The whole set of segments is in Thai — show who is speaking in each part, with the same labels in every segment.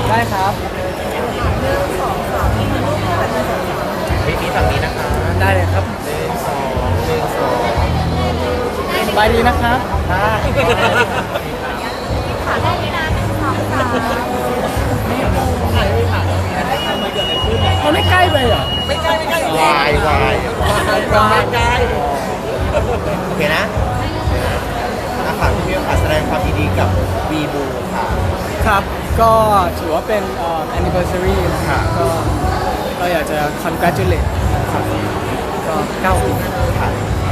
Speaker 1: ได้ครับ
Speaker 2: พี่ฝั่งนี้นะคะ
Speaker 1: ได้เลยครับสบายดีนะครับมันไม่ใกล้ไปเหรอ
Speaker 2: วายวายโอเคนะนะคะพี่มิวค่ะแสดงความยินดีกับวีบูค่ะ
Speaker 1: ครับก็ถือว่าเป็นanniversary นะครับก็อยากจะ congratulate ครับก็9 ปี
Speaker 2: ค่ะ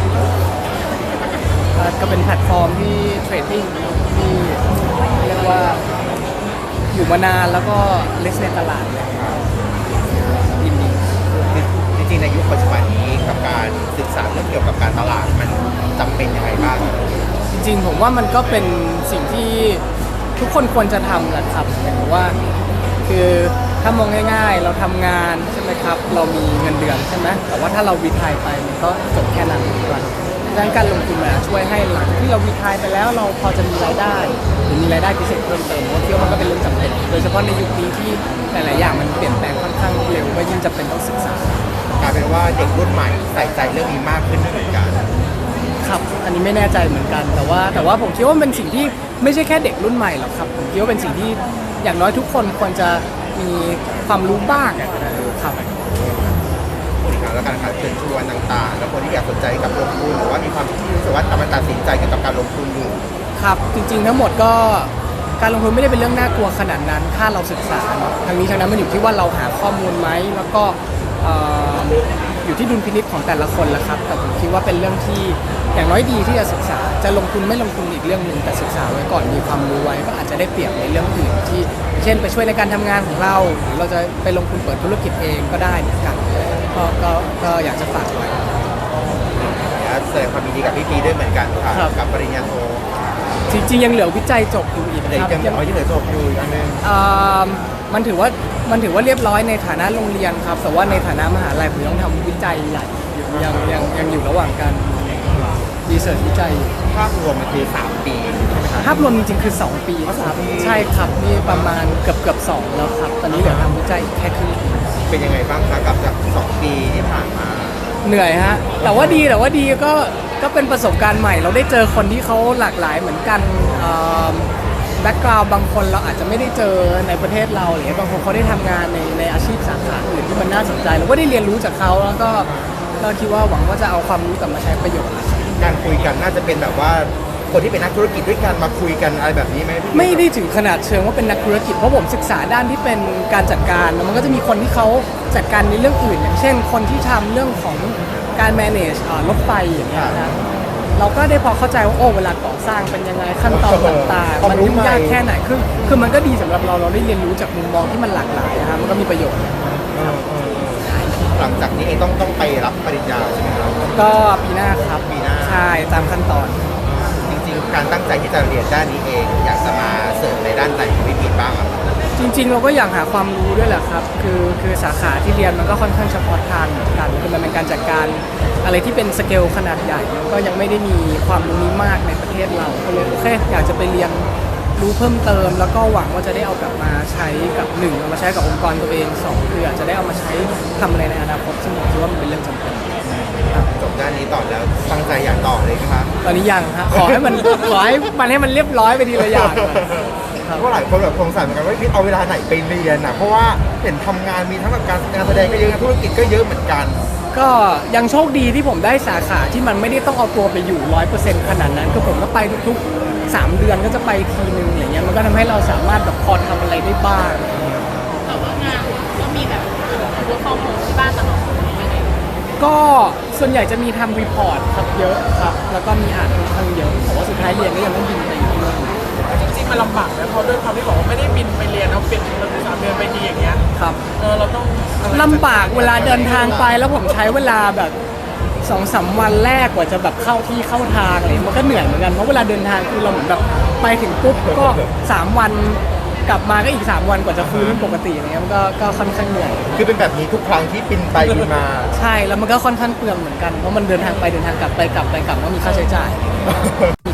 Speaker 1: ก็เป็นแพลตฟอร์มที่เทรดดิ้งที่เรียกว่าอยู่มานานแล้วก็เลสในตลาดเลยยินดี
Speaker 2: จริงๆในยุคปัจจุบันนี้กับการศึกษาเรื่องเกี่ยวกับการตลาดมันจำเป็นยังไงบ้าง
Speaker 1: จริงๆผมว่ามันก็เป็นสิ่งที่ทุกคนควรจะทำแหละครับหมายถึงว่าคือถ้ามองง่ายๆเราทำงานใช่ไหมครับเรามีเงินเดือนใช่ไหมแต่ว่าถ้าเรารีไทร์ไปมันก็จบแค่นั้นก่อนดังนั้นการลงทุนมาช่วยให้หลังที่เรารีไทร์ไปแล้วเราพอจะมีรายได้หรือมีรายได้พิเศษเพิ่มเติมว่าคิดว่ามันก็เป็นเรื่องจำเป็นโดยเฉพาะในยุคนี้ที่หลายๆอย่างมันเปลี่ยนแปลงค่อนข้างเร็วก็ยิ่งจำเป็นต้องศึกษาก
Speaker 2: ลายเป็นว่าเด็กรุ่นใหม่ใส่ใจเรื่องนี้มากขึ้นเหมือนกัน
Speaker 1: ครับอันนี้ไม่แน่ใจเหมือนกันแต่ว่าผมคิดว่ามันเป็นสิ่งที่ไม่ใช่แค่เด็กรุ่นใหม่หรอกครับผมคิดว่าเป็นสิ่งที่อย่างน้อยทุกคนควรจะมีความรู้บ้างครับ
Speaker 2: แล้วการเชิญชวนต่างๆแล้วคนที่อยากสนใจกับลงทุนหรือว่ามีความรู้สึกว่ากำลังตัดสินใจเกี่ยวกับการลงทุนอยู่
Speaker 1: ครับจริงๆทั้งหมดก็การลงทุนไม่ได้เป็นเรื่องน่ากลัวขนาดนั้นถ้าเราศึกษาทางนี้ทางนั้นมันอยู่ที่ว่าเราหาข้อมูลไหมแล้วก็อยู่ที่ดุลพินิจของแต่ละคนละครับแต่ผมคิดว่าเป็นเรื่องที่อย่างน้อยดีที่จะศึกษาจะลงทุนไม่ลงทุนอีกเรื่องหนึ่งแต่ศึกษาไว้ก่อนมีความรู้ไว้ก็อาจจะได้เปรียบในเรื่องอื่นที่เช่นไปช่วยในการทำงานของเราหรือเราจะไปลงทุนเปิดธุรกิจเองก็ได้เหมือนกันก็อยากจะฝากไว้
Speaker 2: แสดงความยินดีกับพี่ปีด้วยเหมือนกันค่ะกับปริญญาโท
Speaker 1: จริงๆยังเหลือวิจัยจบอยู่อีก
Speaker 2: ครับยังเหลือจบอยู่อันนึง
Speaker 1: มันถือว่าเรียบร้อยในฐานะโรงเรียนครับแต่ว่าในฐานะมหาลัยผมต้องทำวิจัยใหญ่ยังอยู่ระหว่างการรีเสิร์ชวิจัย
Speaker 2: ภาพรวมมันคือ3 ปี
Speaker 1: ภาพรวมจริงๆคือ2 ปีครับใช่ครับนี่ประมาณเกือบ2แล้วครับตอนนี้เหลือทำวิจัยแค่ครึ่ง
Speaker 2: เป็นยังไงบ้างคะกับจาก2 ปีที่ผ่านมา
Speaker 1: เหนื่อยฮะแต่ว่าดีก็เป็นประสบการณ์ใหม่เราได้เจอคนที่เขาหลากหลายเหมือนกันแบ็กกราวด์บางคนเราอาจจะไม่ได้เจอในประเทศเราหรือบางคนเขาได้ทำงานในอาชีพสาขาอื่นที่มันน่าสนใจเราก็ได้เรียนรู้จากเขาแล้วก็คิดว่าหวังว่าจะเอาความรู้กลับมาใช้ประโยชน์
Speaker 2: การคุยกันน่าจะเป็นแบบว่าคนที่เป็นนักธุรกิจด้วยกันมาคุยกันอะไรแบบนี้ไหม
Speaker 1: ไม่ได้ถึงขนาดเชิงว่าเป็นนักธุรกิจเพราะผมศึกษาด้านที่เป็นการจัดการมันก็จะมีคนที่เขาจัดการในเรื่องอื่นอย่างเช่นคนที่ทำเรื่องของการ manage รถไฟอย่างเงี้ยนะเราก็ได้พอเข้าใจว่าเวลาก่อสร้างเป็นยังไงขั้นตอนต่างๆมันยุ่งยากแค่ไหนคือมันก็ดีสำหรับเราได้เรียนรู้จากมุมมองที่มันหลากหลายนะครับมันก็มีประโยชน์
Speaker 2: หลังจากนี้เองต้องไปรับปริญญาใช่ไหมครับ
Speaker 1: ก็ปีหน้าครับ
Speaker 2: ปีหน้า
Speaker 1: ใช่ตามขั้นตอน
Speaker 2: จริงๆการตั้งใจที่จะเรียนด้านนี้เองอยากจะมาเสริมในด้านไหนของพี่ปีบ้าง
Speaker 1: จริงๆเราก็อยากหาความรู้ด้วยแหละครับคือสาขาที่เรียนมันก็ค่อนข้างเฉพาะทางเหมือนกันคือมันเป็นการจัดการอะไรที่เป็นสเกลขนาดใหญ่ก็ยังไม่ได้มีความรู้นี้มากในประเทศเราก็เลยโอเคอยากจะไปเรียนรู้เพิ่มเติมแล้วก็หวังว่าจะได้เอากลับมาใช้กับ1เอามาใช้กับองค์กรตัวเอง2คืออาจจะได้เอามาใช้ทำอะไรในอนาคตซึ่งผมคิดว่ามันเป็นเรื่องจำเป็น
Speaker 2: จบด้านนี้ต่อแล้วตั้งใจอยากต่อเลยครับ
Speaker 1: ตอนนี้ยังฮะขอให้มันเรียบร้อยไปทีละอย่าง
Speaker 2: เพราะหลายคนแบบสงสัยเหมือนกันว่าพี่เอาเวลาไหนไปเรียนเพราะว่าเห็นทำงานมีทั้งแบบการแสดงก็เยอะธุรกิจก็เยอะเหมือนกัน
Speaker 1: ก็ยังโชคดีที่ผมได้สาขาที่มันไม่ได้ต้องเอาตัวไปอยู่ 100% ขนาดนั้นคือผมก็ไปทุกๆ3 เดือนก็จะไปทีนึงอย่างเงี้ยมันก็ทำให้เราสามารถแบบพอทำอะไรได้บ้าง
Speaker 3: แต่ว่างานก็มีแบบwork from homeที่บ้านตลอด
Speaker 1: ก็ส่วนใหญ่จะมีทำรีพอร์ตครับเยอะครับแล้วก็มีอ่านค่อนข้างเยอะแต่ว่าสุดท้ายเรียนก็ยังต้องบินไปอยู่ด้วย
Speaker 4: จริงๆมันลำบากนะเพราะด้วยความที่บอกว่าไม่ได้บินไปเรียนเอาเป็น3 เดือนไปทีอย่างเงี้ย
Speaker 1: ครับ
Speaker 4: เราต้อง
Speaker 1: ลำบากเวลาเดินทางไปแล้วผมใช้เวลาแบบ2-3 วันแรกกว่าจะแบบเข้าที่เข้าทางอะไรมันก็เหนื่อยเหมือนกันเพราะเวลาเดินทางคือเราเหมือนแบบไปถึงปุ๊บก็3 วันกลับมาก็อีก3 วันกว่าจะฟื้นปกติอะไรเงี้ยมันก็ค่อนข้างเหนื่อย
Speaker 2: คือเป็นแบบนี้ทุกครั้งที่บินไปบินมา
Speaker 1: ใช่แล้วมันก็ค่อนข้างเปลืองเหมือนกันเพราะมันเดินทางไปเดินทางกลับไปกลับก็มีค่าใช้จ่าย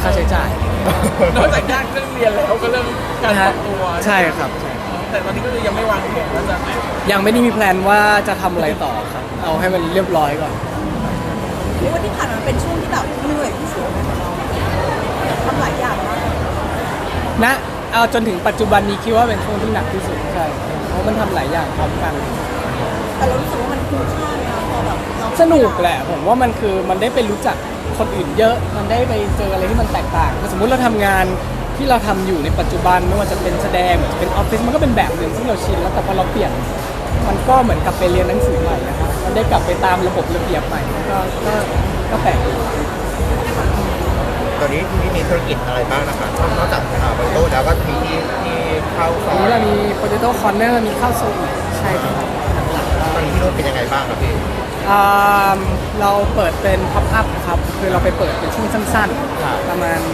Speaker 1: ค่าใช้จ่าย
Speaker 4: นอกจากยากเรื่องเรียนแล้วก็เรื่องการปรับตัว
Speaker 1: ใช่ครับใช่
Speaker 4: แต่ตอนนี้ก็คือยังไม่วางแผนว่าจะ
Speaker 1: ยังไม่ได้มีแพลนว่าจะทำอะไรต่อครับ เอาให้มันเรียบร้อยก่อน
Speaker 5: เรียกว่าที่ผ่านมาเป็นช่วงที่แบบเหนื่อยที่สุดในของเราทำหลายอย่างมาก
Speaker 1: นะเอาจนถึงปัจจุบันนี้คิดว่าเป็นช่วงที่หนักที่สุดใช่เพราะมันทำหลายอย่างพร้อมกัน
Speaker 5: แต่เรารู้สึกว่ามันคุ้มค่าเลยนะพอแบบเรา
Speaker 1: สนุกแหละผมว่ามันคือมันได้ไปรู้จักคนอื่นเยอะ มันได้ไปเจออะไรที่มันแตกต่างสมมุติเราทำงานที่เราทำอยู่ในปัจจุบันไม่ว่าจะเป็นแสดงหรือจะเป็นออฟฟิศมันก็เป็นแบบหนึ่งซึ่งเราชินแล้วแต่พอเราเปลี่ยนมันก็เหมือนกับไปเรียนหนังสือใหม่นะครับมันได้กลับไปตามระบบระเบียบใหม่ก็แปลกดี
Speaker 2: ตอนนี้ที่มีธุรกิจอะไรบ้างนะคะนอกจากบริโภคแล้วก็มีที่เข้าซ
Speaker 1: ต
Speaker 2: อ
Speaker 1: อน
Speaker 2: ย
Speaker 1: นี้เรามี Potato Corner มีข้าวโซอีใช่ครับ
Speaker 2: ตอนนี้ที่นู่นเป็นยังไงบ้างครับพี่
Speaker 1: เราเปิดเป็น pop up ครับคือเราไปเปิดเป็นช่วงสั้นๆ ประมาณ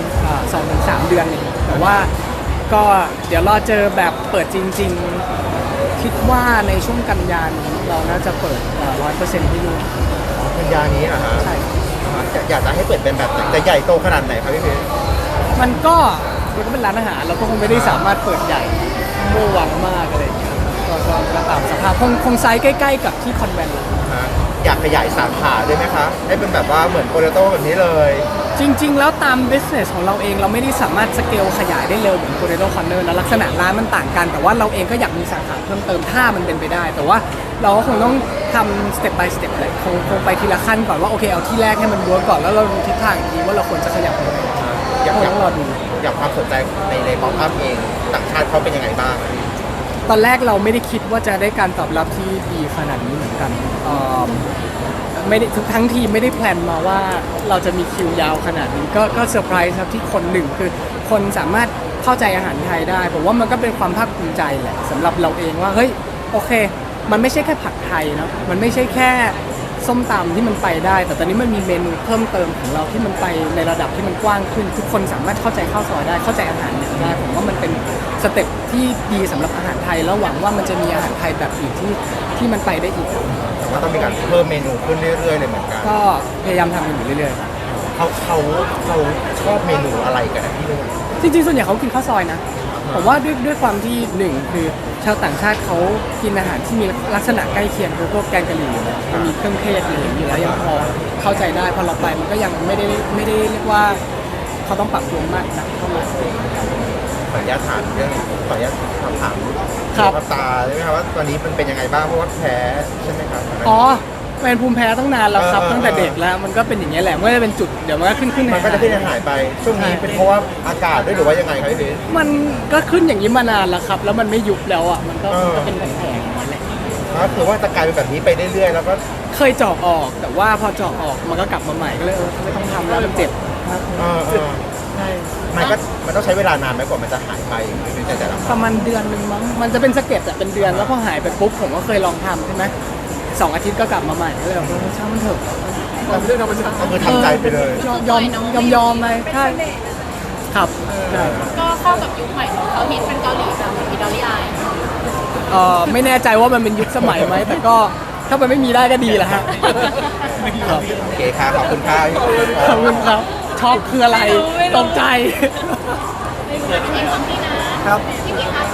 Speaker 1: 2-3 เดือนเองแต่ว่าก็เดี๋ยวรอเจอแบบเปิดจริงๆ คิดว่าในช่วงกันยายนนี้เราน่าจะเปิด 100% ที่นู่น
Speaker 2: พันยานี้นะฮะ
Speaker 1: ใช่
Speaker 2: อยากจะให้เปิดเป็นแบบไหนจะใหญ่โตขนาดไหนครับพี่เพชร
Speaker 1: มันก็เป็นร้านอาหารเราก็คงไม่ได้สามารถเปิดใหญ่เมื่อวังมากอะไรอย่างเงี้ยก็ตามสภาพคงไซส์ใกล้ๆกับที่คอนแวนต์
Speaker 2: ฮะอยากขยายสาขาด้วยไหมคะให้เป็นแบบว่าเหมือนโปเตโต้แบบนี้เลย
Speaker 1: จริงๆ แล้วตาม business ของเราเองเราไม่ได้สามารถสเกลขยายได้เร็วเหมือน Potato Corner นะลักษณะร้านมันต่างกัน แต่ว่าเราเองก็อยากมีสาขาเพิ่มเติมถ้ามันเป็นไปได้ แต่ว่าเราก็คงต้องทำ step by step เลยคงไปทีละขั้นก่อนว่าโอเคเอาที่แรกให้มันเวิร์กก่อนแล้วเราดูทิศทางอีกทีว่าเราควรจะขยับไปไหน
Speaker 2: อยาก
Speaker 1: คงต้องรอดู
Speaker 2: อยากความสนใจในป๊อปอัพเองต่างชาติเขาเป็นยังไงบ้างอะพี่
Speaker 1: ตอนแรกเราไม่ได้คิดว่าจะได้การตอบรับที่ดีขนาดนี้เหมือนกันไม่ได้ทั้งทีมไม่ได้แพลนมาว่าเราจะมีคิวยาวขนาดนี้ก็เซอร์ไพรส์ครับที่คนหนึ่งคือคนสามารถเข้าใจอาหารไทยได้ผมว่ามันก็เป็นความภาคภูมิใจแหละสำหรับเราเองว่าเฮ้ยโอเค มันไม่ใช่แค่ผัดไทยเนาะมันไม่ใช่แค่ส้มตำที่มันไปได้ แต่ตอนนี้มันมีเมนูเพิ่มเติมของเราที่มันไปในระดับที่มันกว้างขึ้น ทุกคนสามารถเข้าใจข้าวซอยได้เข้าใจอาหารเหนือได้ผมว่ามันเป็นสเต็ปที่ดีสำหรับอาหารไทยแล้วหวังว่ามันจะมีอาหารไทยแบบอื่นที่มันไปได้อีก
Speaker 2: แต่ว่าต้องมีการเพิ่มเมนูขึ้นเรื่อยๆเลยเหมือนกัน
Speaker 1: ก็พยายามทำกันอยู่เรื่อยๆครับ
Speaker 2: เขาชอบเมนูอะไรกันนะที่นู่น
Speaker 1: จริงๆส่วนใหญ่เขากินข้าวซอยนะผมว่าด้วยความที่หนึ่งคือชาวต่างชาติเขากินอาหารที่มีลักษณะใกล้เคียงคือพวกแกงกะหรี่อยู่แล้วมันมีเครื่องเทศอะไรอย่างนี้อยู่แล้วยังพอเข้าใจได้พอเราไปมันก็ยังไม่ได้เรียกว่าเขาต้องปรับตัวมากนะเท่าไหร่
Speaker 2: ขออนุญาตถามเรื่องขออนุญาตสอบถาม
Speaker 1: ครับ
Speaker 2: สุขภาพตาได้ไหมครับว่าตอนนี้มันเป็นยังไงบ้างเพราะว่าแพ้ใช่ไหมครับ
Speaker 1: อ๋อเป็นภูมิแพ้ตั้งนานแล้วครับ
Speaker 2: เออ
Speaker 1: ตั้งแต่เด็กแล้วมันก็เป็นอย่างนี้ยแหละมันก็จะเป็นจุดเดี๋ยวมันก็ขึ้น
Speaker 2: มันก็จะขึ้นหายไปช่วงนี้เป็นเพราะว่าอากาศด้วยหรือว่ายังไงครับพี่เพชร
Speaker 1: มันก็ขึ้นอย่างนี้มานานแล้วครับ แล้วมันไม่ยุบแล้วอ่ะมันก็
Speaker 2: เออ
Speaker 1: เป็นแผลๆนั่นแหละ
Speaker 2: ก็คือว่าจะกลายเป็นแบบนี้ไปเรื่อยๆแล้วก็
Speaker 1: เคยเจาะออกแต่ว่าพอเจาะออกมันก็กลับมาใหม่ก็เลยไม่ต้องทำแล้วมันเจ็บครับ ใช่
Speaker 2: มันต้องใช้เวลานานไหมกว่ามันจะหายไปในแต่ละค
Speaker 1: ป
Speaker 2: รั้ง
Speaker 1: ระมาณเดือนหนึ่งมั้งมันจะเป็นสะเก็ดอะเป็นเดือนแล้วพอหายไปปุ๊บผมก็เคยลองทำใช่ไหม2 อาทิตย์ก็กลับมาใหม่ก็เลยแบบช่างมันเถอะ
Speaker 4: แต่เรื่องธรรมชาติ
Speaker 2: ก็คือทำใจไปเลย
Speaker 1: ยอมไปใช่ครับใช่
Speaker 3: ก็เข้ากับยุคใหม่เนอะเขาฮิตเป็นเกาหลีแบบอิตาลีอาย
Speaker 1: ไม่แน่ใจว่ามันเป็นยุคสมัยไหมแต่ก็ถ้ามันไม่มีได้ก็ดีแหละฮะครับ
Speaker 2: โอเคครับขอบคุณครับ
Speaker 1: ขอบคุณครับช็อกคืออะไรตกใจ
Speaker 3: ในเมืองที่นี่นะครับ พี่พีคะ